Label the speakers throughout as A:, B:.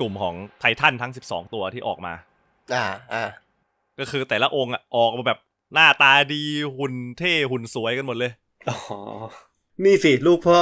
A: กลุ่มของไททันทั้ง12ตัวที่ออกมาก็คือแต่ละองค์ออกมาแบบหน้าตาดีหุ่นเท่หุ่นสวยกันหมดเลย
B: อ๋อนี่สิลูกพ่อ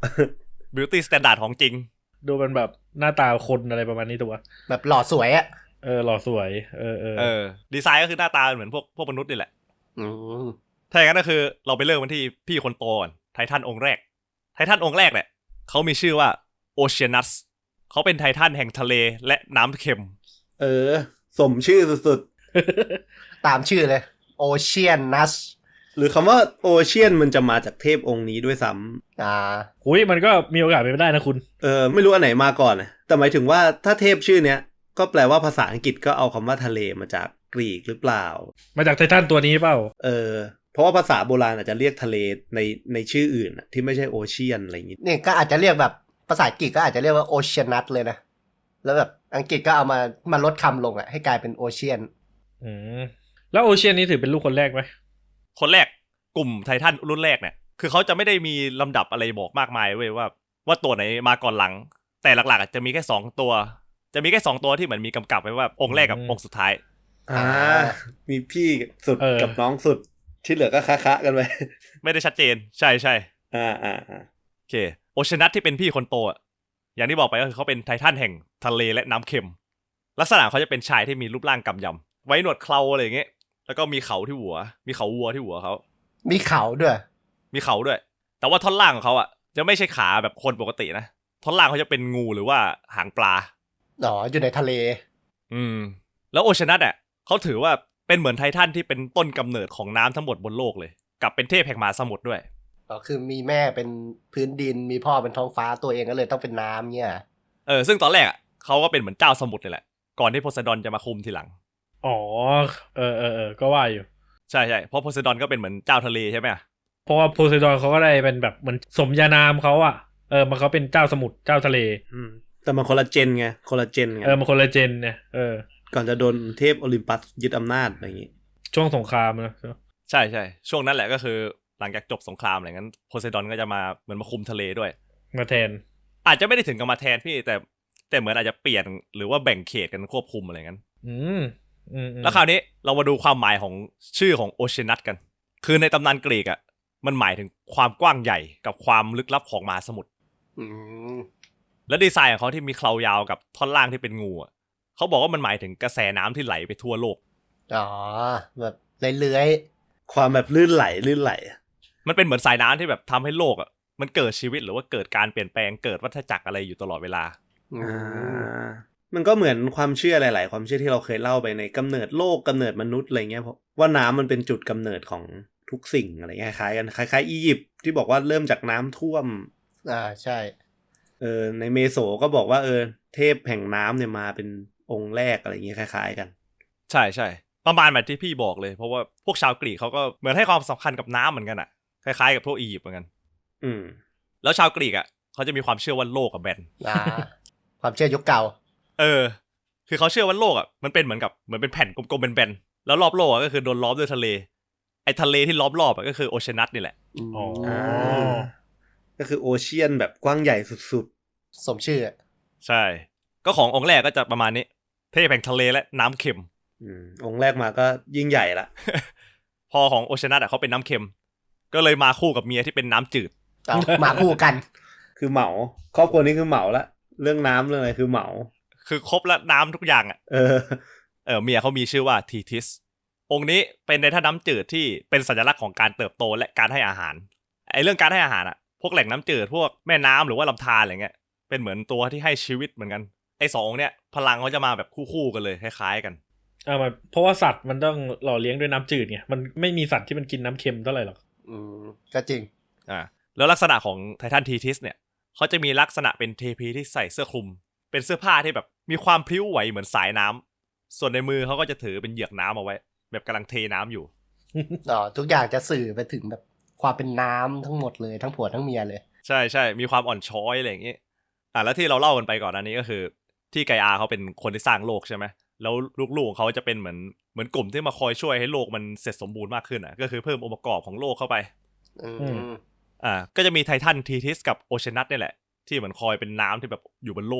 A: beauty standard ของจริง
C: ดูเป็นแบบหน้าตาคนอะไรประมาณนี้ตัว
D: แบบหล่อสวยอะ
C: หล่อสวย
A: ดีไซน์ก็คือหน้าตาเหมือนพวกมนุษย์นี่แหละถ้าอย่างนั้นก็คือเราไปเริ่มกันที่พี่คนโตก่อนไททันองค์แรกเนี่ยเขามีชื่อว่าโอเชียนัสเขาเป็นไททันแห่งทะเลและน้ำเค็ม
B: สมชื่อสุด
D: ๆตามชื่อเลยโอเชียนัส
B: หรือคำว่าโอเชียนมันจะมาจากเทพองค์นี้ด้วยซ้
C: ำอุ้ยมันก็มีโอกาสเป็นไปได้นะคุณ
B: ไม่รู้อันไหนมาก่อนนะแต่หมายถึงว่าถ้าเทพชื่อเนี้ยก็แปลว่าภาษาอังกฤษก็เอาคำว่าทะเลมาจากกรีกหรือเปล่า
C: มาจากไททันตัวนี้เปล่า
B: เพราะว่าภาษาโบราณอาจจะเรียกทะเลในชื่ออื่นที่ไม่ใช่โอเชียนอะไรอย่างงี้
D: นี่ก็อาจจะเรียกแบบภาษาอังกฤษก็อาจจะเรียกว่าโอเชียนัสเลยนะแล้วแบบอังกฤษก็เอามาลดคำลงให้กลายเป็นโอเชียน
C: แล้วโอเชียนนี้ถือเป็นลูกคนแรกไหม
A: คนแรกกลุ่มไททันรุ่นแรกเนี่ยคือเขาจะไม่ได้มีลำดับอะไรบอกมากมายเว้ยว่าตัวไหนมาก่อนหลังแต่หลักๆจะมีแค่2ตัวที่เหมือนมีกำกับไว้ว่าองค์แรกกับองค์สุดท้าย
B: มีพี่สุดกับน้องสุดที่เหลือก็คะกันไป
A: ไม่ได้ชัดเจนใช่โอเคโอเชียนัสที่เป็นพี่คนโตอย่างที่บอกไปก็คือเขาเป็นไททันแห่งทะเลและน้ำเค็มลักษณะเขาจะเป็นชายที่มีรูปร่างกำยำไว้หนวดเคราอะไรอย่างเงี้ยแล้วก็มีเขาที่หัวมีเขาวัวที่หัวเขา
D: มีเขาด้วย
A: แต่ว่าท่อนล่างของเขาจะไม่ใช่ขาแบบคนปกตินะท่อนล่างเขาจะเป็นงูหรือว่าหางปลา
D: อยู่ในทะเล
A: แล้วโอเชียนัสเขาถือว่าเป็นเหมือนไททันที่เป็นต้นกำเนิดของน้ำทั้งหมดบนโลกเลยกับเป็นเทพแห่งมหาสมุทรด้วย
D: คือมีแม่เป็นพื้นดินมีพ่อเป็นท้องฟ้าตัวเองก็เลยต้องเป็นน้ำเนี่ย
A: ซึ่งตอนแรกเขาก็เป็นเหมือนเจ้าสมุทรเลยแหละก่อนที่โพไซดอนจะมาคุมทีหลัง
C: ก็ว่าอยู่
A: ใช่เพราะโพไซดอนก็เป็นเหมือนเจ้าทะเลใช่ไหม
C: เพราะว่าโพไซดอนเขาก็ได้เป็นแบบเหมือนสมญานามเขามันเขาเป็นเจ้าสมุทรเจ้าทะเล
B: แต่มันคนละเจนไงมันคนละเจน
C: เนี่ย
B: ก่อนจะโดนเทพโอลิมปัสยึดอำนาจอะไรอย่างงี้
C: ช่วงสงครามนะ
A: ใช่ช่วงนั้นแหละก็คือหลังจากจบสงครามอะไรงั้นโพไซดอนก็จะมาเหมือนมาคุมทะเลด้วย
C: มาแทน
A: อาจจะไม่ได้ถึงกับมาแทนพี่แต่เหมือนอาจจะเปลี่ยนหรือว่าแบ่งเขตกันควบคุมอะไรงั้นแล้วคราวนี้เรามาดูความหมายของชื่อของโอเชียนัสกันคือในตำนานกรีกมันหมายถึงความกว้างใหญ่กับความลึกลับของมหาสมุทรและดีไซน์ของเขาที่มีเครายาวกับท่อนล่างที่เป็นงูเขาบอกว่ามันหมายถึงกระแสน้ำที่ไหลไปทั่วโลก
D: แบบเลื้อย
B: ความแบบลื่นไหล
A: มันเป็นเหมือนสายน้ำที่แบบทำให้โลกมันเกิดชีวิตหรือว่าเกิดการเปลี่ยนแปลงเกิดวัฏจักรอะไรอยู่ตลอดเวลา
B: มันก็เหมือนความเชื่อหลายๆความเชื่อที่เราเคยเล่าไปในกำเนิดโลกกำเนิดมนุษย์อะไรเงี้ยเพราะว่าน้ำมันเป็นจุดกำเนิดของทุกสิ่งอะไรเงี้ยคล้ายกันคล้ายๆอียิปต์ที่บอกว่าเริ่มจากน้ำท่วม
D: ใช่
B: ในเมโสก็บอกว่าเทพแห่งน้ำเนี่ยมาเป็นองค์แรกอะไรเงี้ยคล้ายๆกัน
A: ใช่ประมาณแบบที่พี่บอกเลยเพราะว่าพวกชาวกรีกเขาก็เหมือนให้ความสำคัญกับน้ำเหมือนกันคล้ายๆกับพวกอียิปต์เหมือนกันแล้วชาวกรีกเขาจะมีความเชื่อว่าโลกแบน
D: ความเชื่อยุคเก่า
A: คือเขาเชื่อว่าโลกมันเป็นเหมือนเป็นแผ่นกลมๆแบนๆแล้วรอบโลกก็คือโดนล้อมด้วยทะเลไอ้ทะเลที่ล้อมรอบก็คือโอเชียนัสนี่แหละ
B: ก็คือโอเชียนแบบกว้างใหญ่สุด
D: ๆสมชื่อ
A: ใช่ก็ขององค์แรกก็จะประมาณนี้เทพแห่งทะเลและน้ำเค็ม
B: องค์แรกมาก็ยิ่งใหญ่ละ
A: พอของโอเชียนัสเขาเป็นน้ำเค็มก็เลยมาคู่กับเมียที่เป็นน้ำจืด
D: มาคู่กัน
B: คือเหมาครอบครัวนี้คือเหมาละเรื่องน้ำเรื่องอะไรคือเหมา
A: คือครบละน้ำทุกอย่างเมียเขามีชื่อว่าทีทิสองค์นี้เป็นในท่าน้ำจืดที่เป็นสัญลักษณ์ของการเติบโตและการให้อาหารไอ้เรื่องการให้อาหารพวกแหล่งน้ำจืดพวกแม่น้ำหรือว่าลำธารอะไรเงี้ยเป็นเหมือนตัวที่ให้ชีวิตเหมือนกันไอ้2องค์เนี้ยพลังเขาจะมาแบบคู่กันเลยคล้ายๆกัน
C: เพราะว่าสัตว์มันต้องหล่อเลี้ยงด้วยน้ำจืดไงมันไม่มีสัตว์ที่มันกินน้ำเค็มเท่าไหร่หรอก
D: ก็จริง
A: แล้วลักษณะของไททันทีทิสเนี่ยเขาจะมีลักษณะเป็นเทพีที่ใส่เสื้อคลุมเป็นเสื้อผ้าที่แบบมีความพลิ้วไหวเหมือนสายน้ำส่วนในมือเขาก็จะถือเป็นเหยือกน้ำเอาไว้แบบกำลังเทน้ำอยู่
D: ทุกอย่างจะสื่อไปถึงแบบความเป็นน้ำทั้งหมดเลยทั้งผัวทั้งเมียเลย
A: ใช่มีความอ่อนช้อยอะไรอย่างงี้แล้วที่เราเล่ากันไปก่อนอันนี้ก็คือที่ไกอาเขาเป็นคนที่สร้างโลกใช่ไหมแล้วลูกๆของเขาจะเป็นเหมือนกลุ่มที่มาคอยช่วยให้โลกมันเสร็จสมบูรณ์มากขึ้นก็คือเพิ่มองค์ประกอบของโลกเข้าไปก็จะมีไททันทีทิสกับโอเชียนัสนี่แหละที่เหมือนคอยเป็นน้ำที่แบบอยู่บนโลก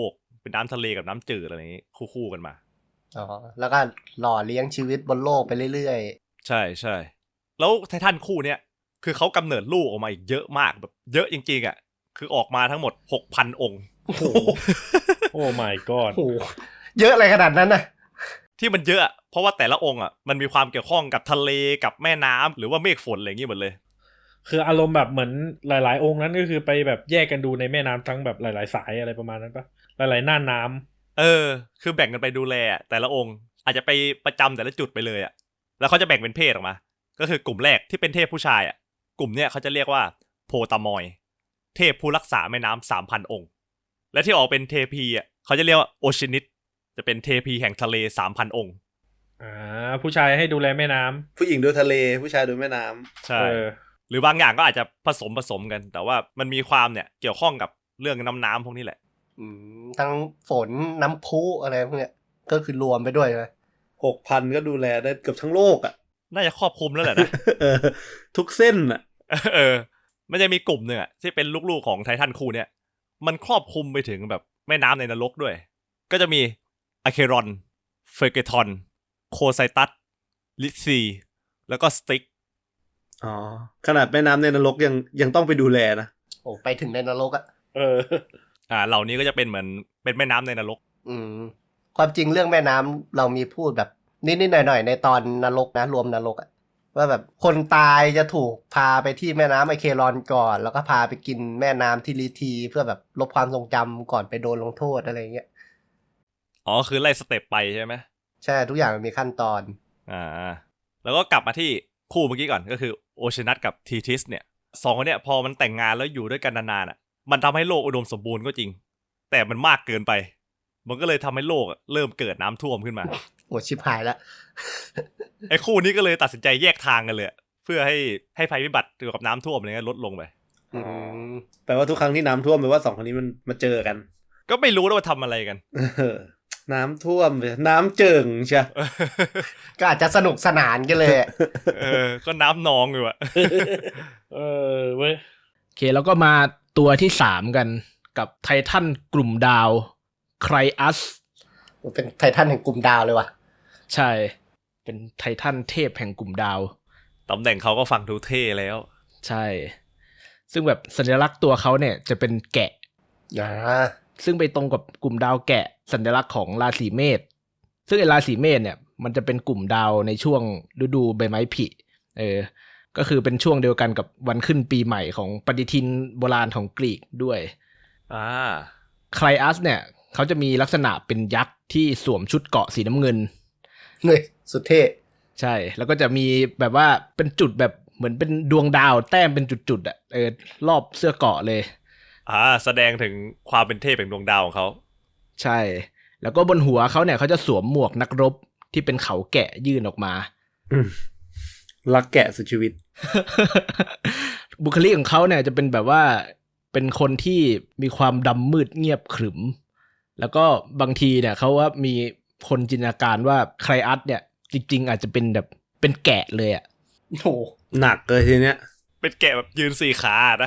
A: เป็นน้ำทะเลกับน้ำจืดอะไรอย่างงี้คู่กันมา
D: อ๋อแล้วก็หล่อเลี้ยงชีวิตบนโลกไปเรื่อย
A: ใช่ใช่แล้วไททันคู่เนี้ยคือเขากำเนิดลูกออกมาอีกเยอะมากแบบเยอะจริงๆอ่ะคือออกมาทั้งหมด 6,000 องค์
C: โอ้โหโอ้ my god
D: ๆโอ้เยอะอะไรขนาดนั้นนะ
A: ที่มันเยอะเพราะว่าแต่ละองค์อ่ะมันมีความเกี่ยวข้องกับทะเลกับแม่น้ำหรือว่าเมฆฝนอะไรอย่างงี้หมดเลย
C: คืออารมณ์แบบเหมือนหลายๆองค์นั้นก็คือไปแบบแยกกันดูในแม่น้ำทั้งแบบหลายๆสายอะไรประมาณนั้นปะหลายๆน่านน้ำ
A: คือแบ่งกันไปดูแลแต่ละองค์อาจจะไปประจำแต่ละจุดไปเลยอ่ะแล้วเขาจะแบ่งเป็นเพศออกมาก็คือกลุ่มแรกที่เป็นเทพผู้ชายอ่ะกลุ่มเนี้ยเขาจะเรียกว่าโพตามอยเทพผู้รักษาแม่น้ำ 3,000 องค์และที่ออกเป็นเทพีอ่ะเขาจะเรียกว่าโอชินิตจะเป็นเทพีแห่งทะเล 3,000 องค์
C: ผู้ชายให้ดูแลแม่น้ำ
B: ผู้หญิงดูทะเลผู้ชายดูแม่น้ำ
A: ใช่หรือบางอย่างก็อาจจะผสมกันแต่ว่ามันมีความเนี่ยเกี่ยวข้องกับเรื่องน้ำพวกนี้แหละ
D: ทั้งฝนน้ำพุอะไรพวกเนี้ยก็คือรวมไปด้วยใช่ไหม
B: 6,000 ก็ดูแลได้เกือบทั้งโลกอ่ะ
A: น่าจะครอบคลุมแล้วแหละนะ
B: ทุกเส้นอ่ะ
A: มันจะมีกลุ่มหนึ่งอ่ะที่เป็นลูกๆของไททันคู่เนี่ยมันครอบคลุมไปถึงแบบแม่น้ำในนรกด้วยก็จะมีอะเครอนเฟอร์เกทอนโคไซตัสลิซีแล้วก็สติก
B: อ๋อขนาดแม่น้ำในนรกยังต้องไปดูแลนะ
D: โอ้ไปถึงในนรกอ่ะ
A: เหล่านี้ก็จะเป็นเหมือนเป็นแม่น้ำในนรก
D: ความจริงเรื่องแม่น้ำเรามีพูดแบบนิดๆหน่อยๆในตอนนรกนะรวมนรกอ่ะว่าแบบคนตายจะถูกพาไปที่แม่น้ำไอเครอนก่อนแล้วก็พาไปกินแม่น้ำที่ลีทีเพื่อแบบลบความทรงจำก่อนไปโดนลงโทษอะไรเงี้ย
A: คือไล่สเต็ปไปใช่ไหม
D: ใช่ทุกอย่างมันมีขั้นตอน
A: แล้วก็กลับมาที่คู่เมื่อกี้ก่อนก็คือโอชินัสกับทีทิสเนี่ยสองคนเนี่ยพอมันแต่งงานแล้วอยู่ด้วยกันนานๆอ่ะมันทำให้โลกอุดมสมบูรณ์ก็จริงแต่มันมากเกินไปมันก็เลยทำให้โลกเริ่มเกิดน้ำท่วมขึ้นมา
D: โอ้ชิบหายแล้ว
A: ไอ้คู่นี้ก็เลยตัดสินใจแยกทางกันเลยเพื่อให้ภัยพิบัติเกี่ยวกับน้ำท่วมอะไรเงี้ยลดลงไป
B: แปลว่าทุกครั้งที่น้ำท่วมแปลว่าสองคนนี้มันมาเจอกัน
A: ก็ไม่รู้ว่าทำอะไรกัน
B: น้ำท่วมน้ำเจิ่งใช่
D: ก็อาจจะสนุกสนานกันเลย
A: ก็น้ำนองอยู่อะ
C: เว้ยโอเคแล้วก็มาตัวที่3กันกับไททันกลุ่มดาวไครอัส
D: เป็นไททันแห่งกลุ่มดาวเลยว่ะ
C: ใช่เป็นไททันเทพแห่งกลุ่มดาว
A: ตำแหน่งเขาก็ฟังดูเท่แล้ว
C: ใช่ซึ่งแบบสัญลักษณ์ตัวเขาเนี่ยจะเป็นแกะซึ่งไปตรงกับกลุ่มดาวแกะสัญลักษณ์ของราศีเมษซึ่งไอ้ราศีเมษเนี่ยมันจะเป็นกลุ่มดาวในช่วงฤดูใบไม้ผลิก็คือเป็นช่วงเดียวกันกับวันขึ้นปีใหม่ของปฏิทินโบราณของกรีกด้วยไคลอัสเนี่ยเขาจะมีลักษณะเป็นยักษ์ที่สวมชุดเกราะสีน้ำเงิน
D: เลยสุดเท่
C: ใช่แล้วก็จะมีแบบว่าเป็นจุดแบบเหมือนเป็นดวงดาวแต้มเป็นจุดๆอ่ะรอบเสื้อเกราะเลย
A: แสดงถึงความเป็นเทพแห่งดวงดาวของเขา
C: ใช่แล้วก็บนหัวเขาเนี่ยเขาจะสวมหมวกนักรบที่เป็นเขาแกะยื่นออกมา
B: รักแกะสุดชีวิต
C: บุคลิกของเขาเนี่ยจะเป็นแบบว่าเป็นคนที่มีความดำมืดเงียบขรึมแล้วก็บางทีเนี่ยเขาว่ามีคนจินตนาการว่าไคลอัสเนี่ยจริงๆอาจจะเป็นแบบเป็นแกะเลยอ่ะ
B: โหหนักเลยทีเนี้ย
A: เป็นแกะแบบยืน4 ขานะ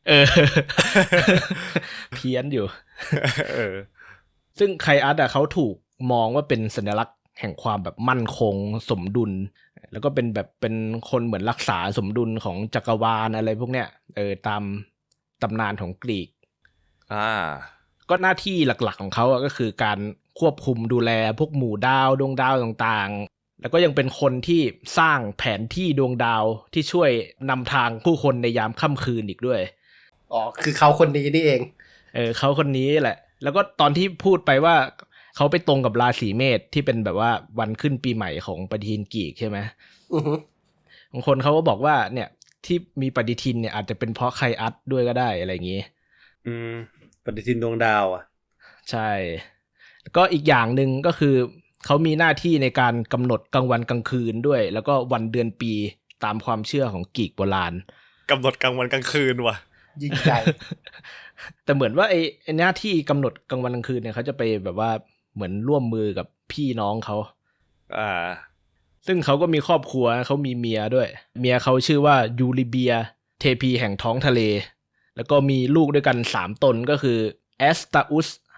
C: เพี้ยนอยู่ซึ่งไคลอัสเขาถูกมองว่าเป็นสัญลักษณ์แห่งความแบบมั่นคงสมดุลแล้วก็เป็นแบบเป็นคนเหมือนรักษาสมดุลของจักรวาลอะไรพวกเนี้ยตามตำนานของกรีกก็หน้าที่หลักๆของเขาก็คือการควบคุมดูแลพวกหมู่ดาวดวงดาวต่างๆแล้วก็ยังเป็นคนที่สร้างแผนที่ดวงดาวที่ช่วยนำทางผู้คนในยามค่ำคืนอีกด้วย
D: คือเขาคนนี้นี่เอง
C: เขาคนนี้แหละแล้วก็ตอนที่พูดไปว่าเขาไปตรงกับราศีเมษที่เป็นแบบว่าวันขึ้นปีใหม่ของปฏิทินกรีกใช่ไหมบางคนเขาก็บอกว่าเนี่ยที่มีปฏิทินเนี่ยอาจจะเป็นเพราะไคลอัสด้วยก็ได้อะไรอย่างนี้
B: ปฏิทินดวงดาวอ่ะ
C: ใช่ก็อีกอย่างหนึ่งก็คือเขามีหน้าที่ในการกำหนดกลางวันกลางคืนด้วยแล้วก็วันเดือนปีตามความเชื่อของกรีกโบราณ
A: กำหนดกลางวันกลางคืนว่ะ
D: ยิ่งใหญ่
C: แต่เหมือนว่าไอ้หน้าที่กำหนดกลางวันกลางคืนเนี่ยเขาจะไปแบบว่าเหมือนร่วมมือกับพี่น้องเขาซึ่งเขาก็มีครอบครัวเขามีเมียด้วยเมียเขาชื่อว่ายูริเบียเทพีแห่งท้องทะเลแล้วก็มีลูกด้วยกัน3 ตนก็คือแอสตาอุส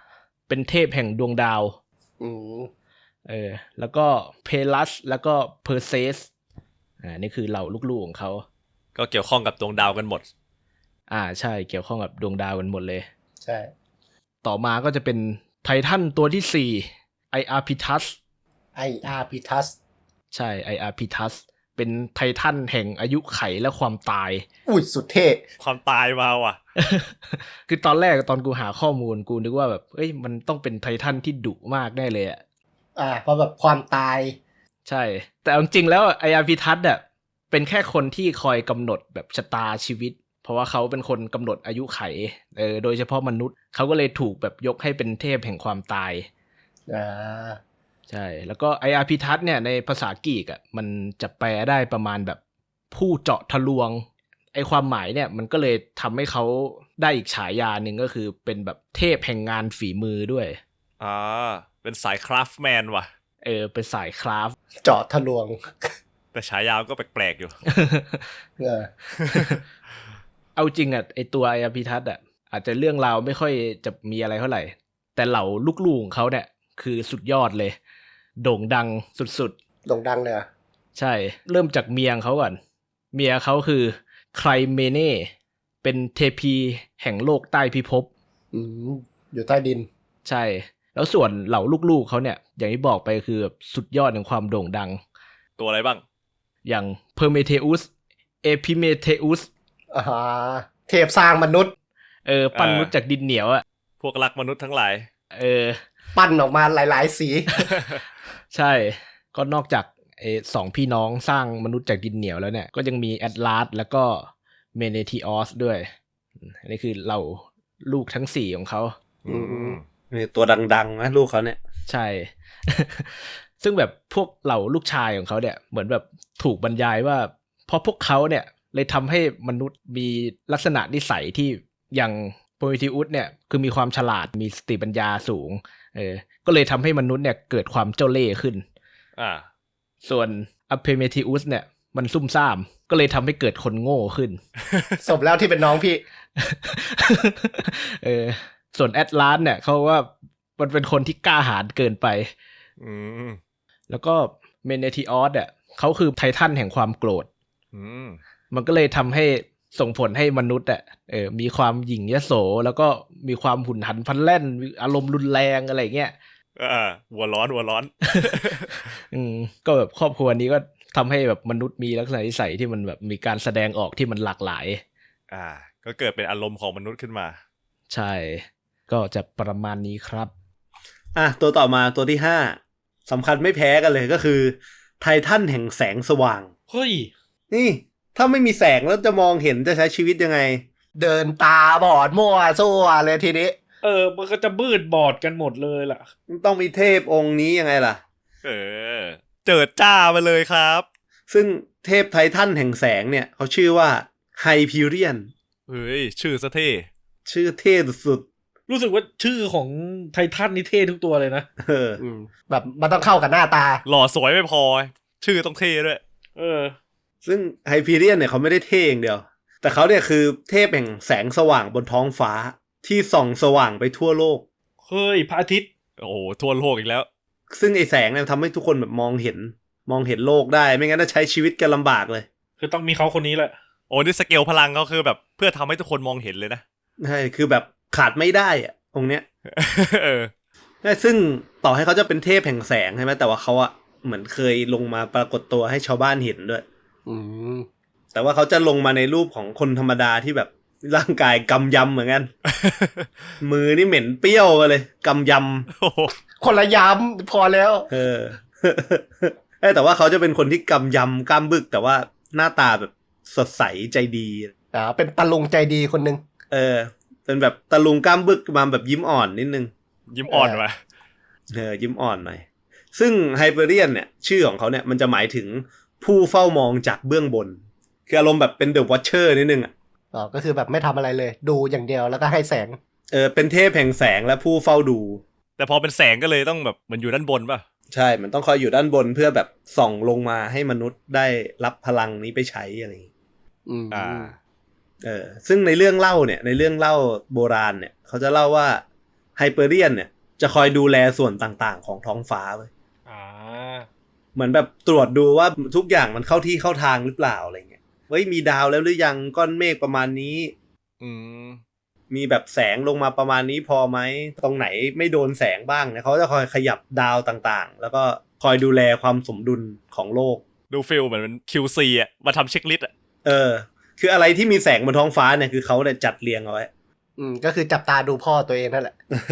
C: เป็นเทพแห่งดวงดาว
D: อืม
C: แล้วก็เพลัสแล้วก็เพอร์เซสนี่คือเหล่าลูกๆของเขา
A: ก็เกี่ยวข้องกับดวงดาวกันหมด
C: ใช่เกี่ยวข้องกับดวงดาวกันหมดเลย
D: ใช่
C: ต่อมาก็จะเป็นไททันตัวที่ 4 ไออาร์พิทัส
D: IR พิทัส
C: ใช่ไออาร์พิทัสเป็นไททันแห่งอายุไขและความตาย
D: อุ้ยสุดเท่
A: ความตายมาว่ะ
C: คือตอนแรกตอนกูหาข้อมูลกูนึกว่าแบบมันต้องเป็นไททันที่ดุมากแน่เลยอ่ะ
D: เพราะแบบความตาย
C: ใช่แต่เอาจริงๆแล้วไออาร์พิทัสอ่ะเป็นแค่คนที่คอยกำหนดแบบชะตาชีวิต เพราะว่าเขาเป็นคนกำหนดอายุไขโดยเฉพาะมนุษย์เขาก็เลยถูกแบบยกให้เป็นเทพแห่งความตายใช่แล้วก็ไออาร์พิทัสเนี่ยในภาษากรีกอ่ะมันจะแปลได้ประมาณแบบผู้เจาะทะลวงความหมายเนี่ยมันก็เลยทำให้เขาได้อีกฉายาหนึ่งก็คือเป็นแบบเทพแห่งงานฝีมือด้วย
A: เป็นสายคราฟต์แมนว่ะ
C: เป็นสายคราฟต์
D: เจาะทะลวง
A: แต่ฉายาก็แปลกๆอยู่
C: เอาจริงอ่ะตัวไออาร์พิทัสอ่ะอาจจะเรื่องราวไม่ค่อยจะมีอะไรเท่าไหร่แต่เหล่าลูกๆของเขาเนี่ยคือสุดยอดเลยโด่งดังสุด
D: ๆโด่งดังเลย
C: ใช่เริ่มจากเมียเขาก่อนเมียเขาคือไคลเมเน่เป็นเทพีแห่งโลกใต้พิภพ
D: อยู่ใต้ดิน
C: ใช่แล้วส่วนเหล่าลูกๆเขาเนี่ยอย่างที่บอกไปคือแบบสุดยอดของความโด่งดัง
A: ตัวอะไรบ้าง
C: อย่างเพอร์เมเทอุสเอพิเมเทอุส
D: เทพสร้างมนุษย์
C: ปั้นมนุษย์จากดินเหนียวอ่ะ
A: พวกรักมนุษย์ทั้งหลาย
D: ปั้นออกมาหลายๆสี
C: ใช่ก็นอกจากสองพี่น้องสร้างมนุษย์จากดินเหนียวแล้วเนี่ยก็ยังมีแอตลาสแล้วก็เมเนทิออสด้วยอันนี้คือเหล่าลูกทั้ง4ของเขา
B: นี่ตัวดังๆนะลูกเขาเนี่ย
C: ใช่ ซึ่งแบบพวกเหล่าลูกชายของเขาเนี่ยเหมือนแบบถูกบรรยายว่าเพราะพวกเขาเนี่ยเลยทำให้มนุษย์มีลักษณะนิสัยที่อย่างโพมิทิอุสเนี่ยคือมีความฉลาดมีสติปัญญาสูงก็เลยทำให้มนุษย์เนี่ยเกิดความเจ้าเล่ห์ขึ้นส่วนอเพเมทิอุสเนี่ยมันซุ่มซ่ามก็เลยทำให้เกิดคนโง่ขึ้น
D: สมแล้วที่เป็นน้องพี่
C: ส่วนแอตลาสเนี่ยเขาว่ามันเป็นคนที่กล้าหาญเกินไปแล้วก็เมเนทิออสเนี่ยเขาคือไททันแห่งความโกรธมันก็เลยทำให้ส่งผลให้มนุษย์มีความหยิ่งยโสแล้วก็มีความหุนหันพลันแล่นอารมณ์รุนแรงอะไรเงี้ย
A: หัวร้อน
C: ก็แบบครอบครัวนี้ก็ทำให้แบบมนุษย์มีลักษณะนิสัยที่มันแบบมีการแสดงออกที่มันหลากหลาย
A: ก็เกิดเป็นอารมณ์ของมนุษย์ขึ้นมา
C: ใช่ก็จะประมาณนี้ครับ
B: ตัวต่อมาตัวที่5สำคัญไม่แพ้กันเลยก็คือไททันแห่งแสงสว่าง
C: เฮ้ย
B: นี่ถ้าไม่มีแสงแล้วจะมองเห็นจะใช้ชีวิตยังไง
D: เดินตาบอดมั่วซั่วเลยทีนี้
C: มันก็จะมืดบอดกันหมดเลยล่ะ
B: ต้องมีเทพองค์นี้ยังไงล่ะ
A: เจิดจ้าไปเลยครับ
B: ซึ่งเทพไททันแห่งแสงเนี่ยเขาชื่อว่าไฮพีเรียน
A: เฮ้ยชื่อซะเท่
B: ชื่อเท่สุด
C: ๆรู้สึกว่าชื่อของไททันนี่เท่ทุกตัวเลยนะ
D: แบบมันต้องเข้ากับหน้าตา
A: หล่อสวยไม่พอชื่อต้องเท่ด้วย
B: ซึ่งไฮพีเรียนเนี่ยเขาไม่ได้เท่อย่างเดียวแต่เขาเนี่ยคือเทพแห่งแสงสว่างบนท้องฟ้าที่ส่องสว่างไปทั่วโลก
C: เฮ้ยพระอาทิตย์
A: โอ้ทั่วโลกอีกแล้ว
B: ซึ่งไอแสงเนี่ยทำให้ทุกคนแบบมองเห็นโลกได้ไม่งั้นจะใช้ชีวิตกันลำบากเลย
C: คือต้องมีเขาคนนี้แหละ
A: โอ้นี่สเกลพลังเขาคือแบบเพื่อทำให้ทุกคนมองเห็นเลยนะ
B: ใช่คือแบบขาดไม่ได้อะองค์เนี้ยซึ่งต่อให้เขาจะเป็นเทพแห่งแสงใช่ไหมแต่ว่าเขาอะเหมือนเคยลงมาปรากฏตัวให้ชาวบ้านเห็นด้วยแต่ว่าเขาจะลงมาในรูปของคนธรรมดาที่แบบร่างกายกำยำเหมือนกัน มือนี่เหม็นเปรี้ยวกันเลยกำย
D: ำคนละยำพอแล้ว
B: แต่ว่าเขาจะเป็นคนที่กำยำกล้ามบึกแต่ว่าหน้าตาแบบสดใสใจดี
D: เป็นตะลุงใจดีคนนึง
B: เป็นแบบตะลุงกล้ามบึกมาแบบยิ้มอ่อนนิดนึง
A: ยิ้มอ่อนว่ะ
B: ยิ้มอ่อนหน่อยซึ่งไฮเปอร์เรียนเนี่ยชื่อของเขาเนี่ยมันจะหมายถึงผู้เฝ้ามองจากเบื้องบนคืออารมณ์แบบเป็นเดอะวอชเชอร์นิดนึง
D: ก็คือแบบไม่ทำอะไรเลยดูอย่างเดียวแล้วก็ให้แสง
B: เป็นเทพแห่งแสงและผู้เฝ้าดู
A: แต่พอเป็นแสงก็เลยต้องแบบมันอยู่ด้านบนป่ะ
B: ใช่มันต้องคอยอยู่ด้านบนเพื่อแบบส่องลงมาให้มนุษย์ได้รับพลังนี้ไปใช้อะไรอย่างนี้ซึ่งในเรื่องเล่าโบราณเนี่ยเขาจะเล่าว่าไฮเปอร์เรียนเนี่ยจะคอยดูแลส่วนต่างๆของท้องฟ้าเว้ย
E: อ่า
B: เหมือนแบบตรวจดูว่าทุกอย่างมันเข้าที่เข้าทางหรือเปล่าอะไรเงี้ยเฮ้ยมีดาวแล้วหรือยังก้อนเมฆประมาณนี้
A: อืม
B: มีแบบแสงลงมาประมาณนี้พอไหมตรงไหนไม่โดนแสงบ้างเนี่ยเขาจะคอยขยับดาวต่างๆแล้วก็คอยดูแลความสมดุลของโลก
A: ดูฟิลเหมือนเป็น QC อ่ะมาทำเช็คลิสต์อ่ะ
B: คืออะไรที่มีแสงบนท้องฟ้าเนี่ยคือเขาเนี่ยจัดเรียงเอาไว้
D: ก็คือจับตาดูพ่อตัวเองนั่นแหละ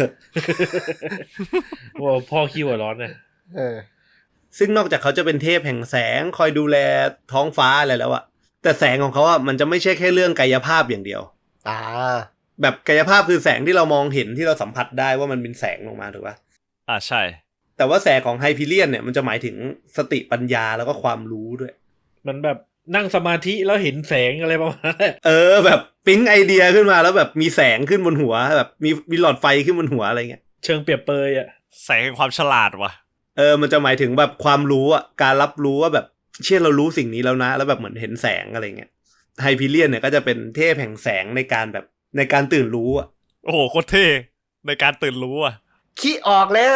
E: ว่าพ่อขี้หัวร้อนเนี่ย
B: ซึ่งนอกจากเขาจะเป็นเทพแห่งแสงคอยดูแลท้องฟ้าอะไรแล้วอะแต่แสงของเขาอะมันจะไม่ใช่แค่เรื่องกายภาพอย่างเดียว แบบกายภาพคือแสงที่เรามองเห็นที่เราสัมผัสได้ว่ามันเป็นแสงลงมาถูกปะ
A: ใช่
B: แต่ว่าแสงของไฮพีเรียนเนี่ยมันจะหมายถึงสติปัญญาแล้วก็ความรู้ด้วย
E: มันแบบนั่งสมาธิแล้วเห็นแสงอะไรประมาณนั้น
B: แบบปิ๊งไอเดียขึ้นมาแล้วแบบมีแสงขึ้นบนหัวแบบมีหลอดไฟขึ้นบนหัวอะไรเงี้ย
E: เชิงเปรียบเปยอ่ะ
A: แสงแห่งความฉลาดว่ะ
B: มันจะหมายถึงแบบความรู้อ่ะการรับรู้ว่าแบบเช่นเรารู้สิ่งนี้แล้วนะแล้วแบบเหมือนเห็นแสงอะไรเงี้ยไฮพีเรียนเนี่ยก็จะเป็นเทพแห่งแสงในการตื่นรู้อ่ะ
A: โอ้โหโคตรเท่ในการตื่นรู้อ่ะ
D: ขี้ออกแล้ว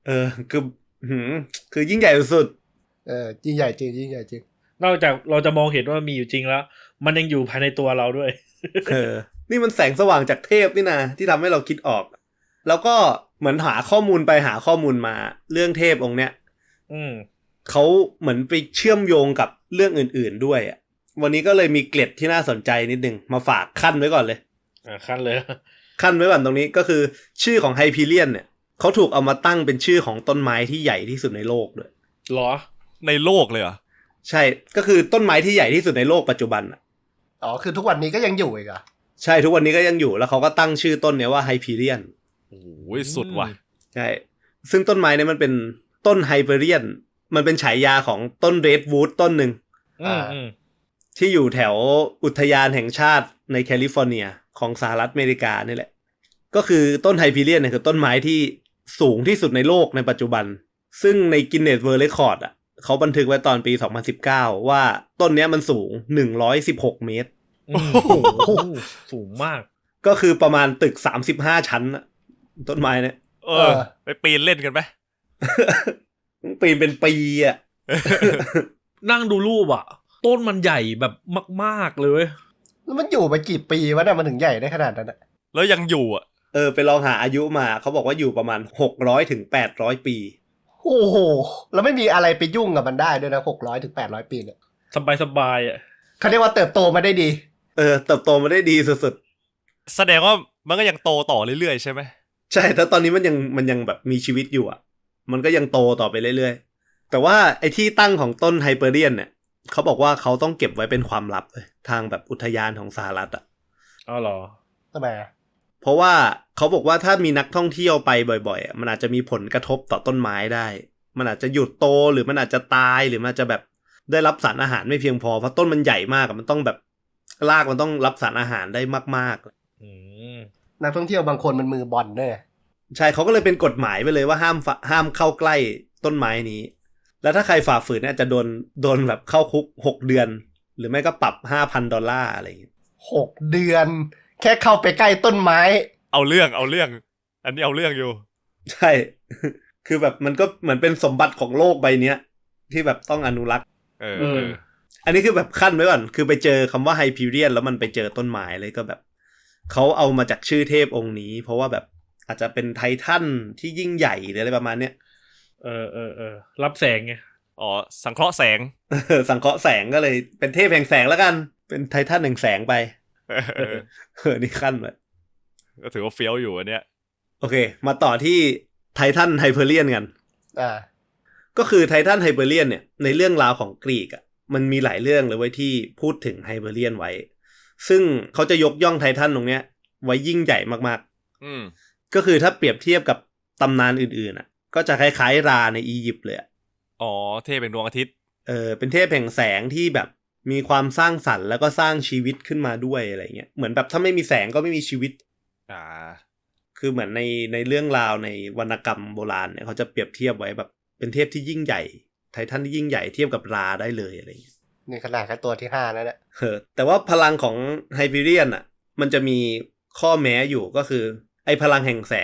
B: คือยิ่งใหญ่สุด
D: ยิ่งใหญ่จริงยิ่งใหญ่จริง
E: นอกจากเราจะมองเห็นว่ามีอยู่จริงแล้ว มันยังอยู่ภายในตัวเราด้วย
B: นี่มันแสงสว่างจากเทพนี่นะที่ทำให้เราคิดออกแล้วก็เหมือนหาข้อมูลไปหาข้อมูลมาเรื่องเทพองค์เนี้ยเขาเหมือนไปเชื่อมโยงกับเรื่องอื่นๆด้วยอ่ะวันนี้ก็เลยมีเกร็ดที่น่าสนใจนิดนึงมาฝากขั้นไว้ก่อนเลย
E: ขั้นเลย
B: ขั้นไว้ก่อนตรงนี้ก็คือชื่อของไฮพีเรียนเนี่ยเขาถูกเอามาตั้งเป็นชื่อของต้นไม้ที่ใหญ่ที่สุดในโลกด้วย
E: หรอ
A: ในโลกเลยเหรอ
B: ใช่ก็คือต้นไม้ที่ใหญ่ที่สุดในโลกปัจจุบันอ่ะ
D: คือทุกวันนี้ก็ยังอยู่อีกอ่ะ
B: ใช่ทุกวันนี้ก็ยังอยู่แล้วเขาก็ตั้งชื่อต้นเนี้ยว่าไฮพีเรียน
A: โอ้ยสุดว่ะ
B: ใช่ซึ่งต้นไม้เนี่ยมันเป็นต้นไฮเปอเรียนมันเป็นฉายาของต้นเรดวูดต้นหนึ่งที่อยู่แถวอุทยานแห่งชาติในแคลิฟอร์เนียของสหรัฐอเมริกานี่แหละก็คือต้นไฮพีเรียนเนี่ยคือต้นไม้ที่สูงที่สุดในโลกในปัจจุบันซึ่งในกินเนสเวิลด์เรคคอร์ดอ่ะเขาบันทึกไว้ตอนปี2019ว่าต้นเนี้ยมันสูง116เมตร
E: โอ้โหสูงมาก
B: ก็คือประมาณตึก35ชั้นอะต้นไม้เนี่ย
A: ไปปีนเล่นกันไหม
B: ปีนเป็นปีอ่ะ
E: นั่งดูรูปอ่ะต้นมันใหญ่แบบมากๆเลย
D: แล้วมันอยู่มากี่ปีวะเนี่ยมันถึงใหญ่ได้ขนาดนั้นอ่ะ
A: แล้วยังอยู่อ่ะ
B: ไปลองหาอายุมาเขาบอกว่าอยู่ประมาณ600 ถึง 800 ปี
D: โอ้โหแล้วไม่มีอะไรไปยุ่งกับมันได้ด้วยนะ600 ถึง 800 ปีเนี่ย
E: สบายอ่ะ
D: เขาเรียกว่าเติบโตมาได้ดี
B: เติบโตมาได้ดีสุด
A: ๆแสดงว่ามันก็ยังโตต่อเรื่อยๆใช่ไหม
B: ใช่แต่ตอนนี้มันยังแบบมีชีวิตอยู่อ่ะมันก็ยังโตต่อไปเรื่อยๆแต่ว่าไอ้ที่ตั้งของต้นไฮเปอร์เรียนเนี่ยเขาบอกว่าเขาต้องเก็บไว้เป็นความลับเลยทางแบบอุทยานของสหรัฐอ่ะ
E: อ๋อเหรอ
D: ทำไม
B: เพราะว่าเขาบอกว่าถ้ามีนักท่องเที่ยวไปบ่อยๆมันอาจจะมีผลกระทบต่อต้นไม้ได้มันอาจจะหยุดโตหรือมันอาจจะตายหรือมันอาจจะแบบได้รับสารอาหารไม่เพียงพอเพราะต้นมันใหญ่มากมันต้องแบบรากมันต้องรับสารอาหารได้มาก
D: นักท่องเที่ยวบางคนมันมือบอลด้วย
B: ใช่เขาก็เลยเป็นกฎหมายไปเลยว่าห้ามเข้าใกล้ต้นไม้นี้แล้วถ้าใครฝ่าฝืนเนี่ยจะโดนแบบเข้าคุก6 เดือนหรือไม่ก็ปรับ$5,000อะไรอย่างเงี้ย
D: 6 เดือนแค่เข้าไปใกล้ต้นไม้
A: เอาเรื่องอันนี้เอาเรื่องอยู่
B: ใช่คือแบบมันก็เหมือนเป็นสมบัติของโลกใบเนี้ยที่แบบต้องอนุรักษ์อันนี้คือแบบขั้นไว้ก่อนคือไปเจอคำว่าไฮพีเรียนแล้วมันไปเจอต้นไม้เลยก็แบบเขาเอามาจากชื่อเทพองค์นี้เพราะว่าแบบอาจจะเป็นไททันที่ยิ่งใหญ่หรืออะไรประมาณเนี้ย
E: รับแสงไง
A: สังเคราะห์แสง
B: สังเคราะห์แสงก็เลยเป็นเทพแห่งแสงแล้วกันเป็นไททันแห่งแสงไปนี่ขั้นเลย
A: ก็ถือว่าเฟี้ยวอยู่อันเนี้ย
B: โอเคมาต่อที่ไททันไฮเปอร์เรียนกันก็คือไททันไฮเปอร์เรียนเนี่ยในเรื่องราวของกรีกอ่ะมันมีหลายเรื่องเลยไว้ที่พูดถึงไฮเปอร์เรียนไว้ซึ่งเขาจะยกย่องไททันตรงเนี้ยไว้ยิ่งใหญ่มากๆก็คือถ้าเปรียบเทียบกับตำนานอื่นๆอ่ะก็จะคล้ายๆราในอียิปต์เลย
A: เทพเป็นดวงอาทิตย์
B: เป็นเทพแห่งแสงที่แบบมีความสร้างสรรค์แล้วก็สร้างชีวิตขึ้นมาด้วยอะไรเงี้ยเหมือนแบบถ้าไม่มีแสงก็ไม่มีชีวิตคือเหมือนในเรื่องราวในวรรณกรรมโบราณเนี่ยเขาจะเปรียบเทียบไว้แบบเป็นเทพที่ยิ่งใหญ่ไททันที่ยิ่งใหญ่เทียบกับราได้เลยอะไรเงี้ย
D: นี่ขนาดแค่ตัวที่5แล้วเนี่ย
B: แต่ว่าพลังของไฮเปอร์เรียนอ่ะมันจะมีข้อแม้อยู่ก็คือไอ้พลังแห่งแสงเนี่ย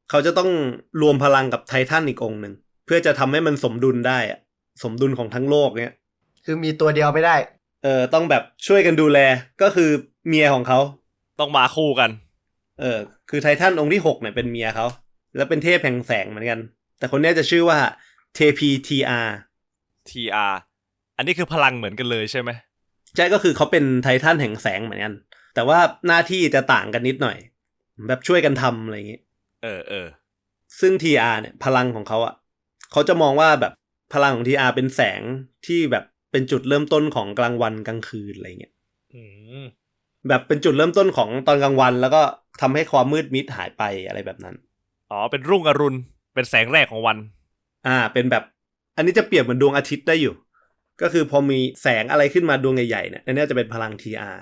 B: เขาจะต้องรวมพลังกับไททันอีกองค์หนึ่งเพื่อจะทำให้มันสมดุลได้อะสมดุลของทั้งโลกเนี้ย
D: คือมีตัวเดียวไม่ได้
B: ต้องแบบช่วยกันดูแลก็คือเมียของเขา
A: ต้องมาคู่กัน
B: คือไททันองค์ที่6เนี่ยเป็นเมียเขาแล้วเป็นเทพแห่งแสงเหมือนกัน แต่คนนี้จะชื่อว่าเทพีทีอาร์
A: TR อันนี้คือพลังเหมือนกันเลยใช่ไหม
B: ใช่ก็คือเขาเป็นไททันแห่งแสงเหมือนกันแต่ว่าหน้าที่จะต่างกันนิดหน่อยแบบช่วยกันทำอะไรอย่างงี้ซึ่ง TR เนี่ยพลังของเขาอ่ะเขาจะมองว่าแบบพลังของ TR เป็นแสงที่แบบเป็นจุดเริ่มต้นของกลางวันกลางคืนอะไรเงี้ยแบบเป็นจุดเริ่มต้นของตอนกลางวันแล้วก็ทำให้ความมืดมิดหายไปอะไรแบบนั้น
A: เป็นรุ่งอรุณเป็นแสงแรกของวัน
B: เป็นแบบอันนี้จะเปรียบเหมือนดวงอาทิตย์ได้อยู่ก็คือพอมีแสงอะไรขึ้นมาดวงใหญ่ๆเนี่ยอันนี้จะเป็นพลัง TR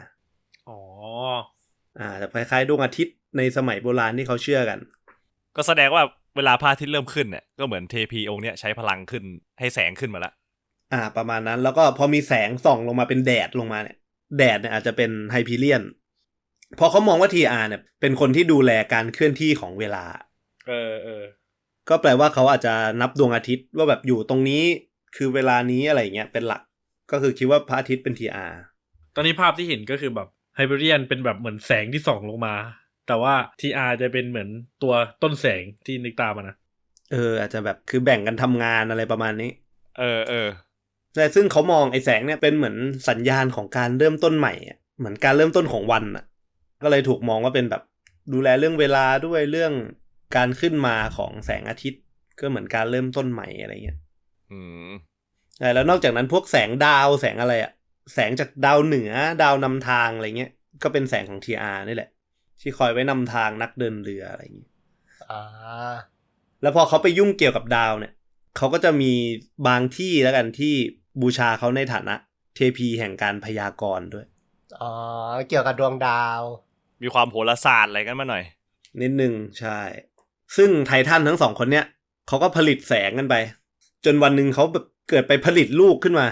B: จะคล้ายๆดวงอาทิตย์ในสมัยโบราณที่เขาเชื่อกัน
A: ก็แสดงว่าเวลาพระอาทิตย์เริ่มขึ้นเนี่ยก็เหมือนเทพีองค์เนี้ยใช้พลังขึ้นให้แสงขึ้นมาละ
B: ประมาณนั้นแล้วก็พอมีแสงส่องลงมาเป็นแดดลงมาเนี่ยแดดเนี่ยอาจจะเป็นไฮพีเรียนพอเขามองว่า TR เนี่ยเป็นคนที่ดูแลการเคลื่อนที่ของเวลาก็แปลว่าเขาอาจจะนับดวงอาทิตย์ว่าแบบอยู่ตรงนี้คือเวลานี้อะไรเงี้ยเป็นหลักก็คือคิดว่าพระอาทิตย์เป็น TR
E: ตอนนี้ภาพที่เห็นก็คือแบบไฮเปอร์เรียนเป็นแบบเหมือนแสงที่ส่องลงมาแต่ว่า TR จะเป็นเหมือนตัวต้นแสงที่นึกตามนะ
B: อาจจะแบบคือแบ่งกันทำงานอะไรประมาณนี้
A: แต่
B: ซึ่งเขามองไอ้แสงเนี่ยเป็นเหมือนสัญญาณของการเริ่มต้นใหม่เหมือนการเริ่มต้นของวันก็เลยถูกมองว่าเป็นแบบดูแลเรื่องเวลาด้วยเรื่องการขึ้นมาของแสงอาทิตย์ก็เหมือนการเริ่มต้นใหม่อะไรเงี้ยแล้วนอกจากนั้นพวกแสงดาวแสงอะไรแสงจากดาวเหนือดาวนำทางอะไรเงี้ยก็เป็นแสงของ TR นี่แหละที่คอยไว้นำทางนักเดินเรืออะไรอย่างงี้แล้วพอเขาไปยุ่งเกี่ยวกับดาวเนี่ยเขาก็จะมีบางที่แล้วกันที่บูชาเขาในฐานะเทพีแห่งการพยากรณ์ด้วย
D: เกี่ยวกับดวงดาว
A: มีความโหราศาสตร์อะไรกันมาหน่อย
B: นิดนึงใช่ซึ่งไททันทั้งสองคนเนี้ยเขาก็ผลิตแสงกันไปจนวันหนึ่งเขาแบบเกิดไปผลิตลูกขึ้นมา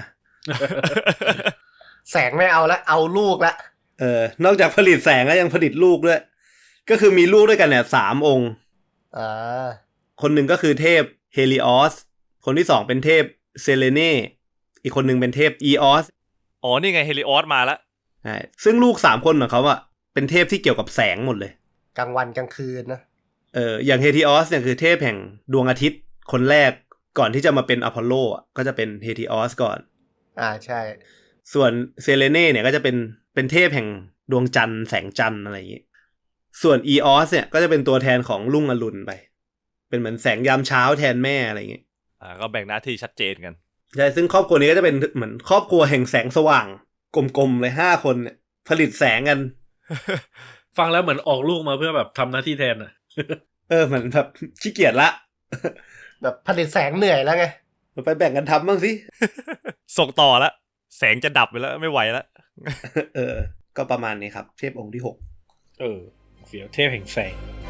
D: แสงไม่เอาละเอาลูกละ
B: นอกจากผลิตแสงแล้วยังผลิตลูกด้วยก็คือมีลูกด้วยกันเนี่ย3 องค์คนหนึ่งก็คือเทพเฮลิออสคนที่2เป็นเทพเซเลเน่อีกคนหนึ่งเป็นเทพอีออส
A: นี่ไงเฮลิออสมาแล้ว
B: ใช่ซึ่งลูก3 คนของเขาเป็นเทพที่เกี่ยวกับแสงหมดเลย
D: กลางวันกลางคืนนะ
B: อย่างเฮลิออสเนี่ยคือเทพแห่งดวงอาทิตย์คนแรกก่อนที่จะมาเป็นอพอลโลก็จะเป็นเฮลิออสก่อน
D: ใช่
B: ส่วนเซเลเน่เนี่ยก็จะเป็นเทพแห่งดวงจันทร์แสงจันทร์อะไรอย่างนี้ส่วนอีออสเนี่ยก็จะเป็นตัวแทนของรุ่งอรุณไปเป็นเหมือนแสงยามเช้าแทนแม่อะไรอย่างนี้
A: ก็แบ่งหน้าที่ชัดเจนกัน
B: ใช่ซึ่งครอบครัวนี้ก็จะเป็นเหมือนครอบครัวแห่งแสงสว่างกลมๆเลย5 คนเนี่ยผลิตแสงกัน
E: ฟังแล้วเหมือนออกลูกมาเพื่อแบบทำหน้าที่แทน
B: เหมือนแบบขี้เกียจละ
D: แบบผลิตแสงเหนื่อยแล้วไง
B: ไปแบ่งกันทำบ้างสิ
A: ส่งต่อละแสงจะดับไปแล้วไม่ไหวแล้ว
B: ก็ประมาณนี้ครับเทพองค์ที่6
E: เฟี้ยวเทพแห่งแสง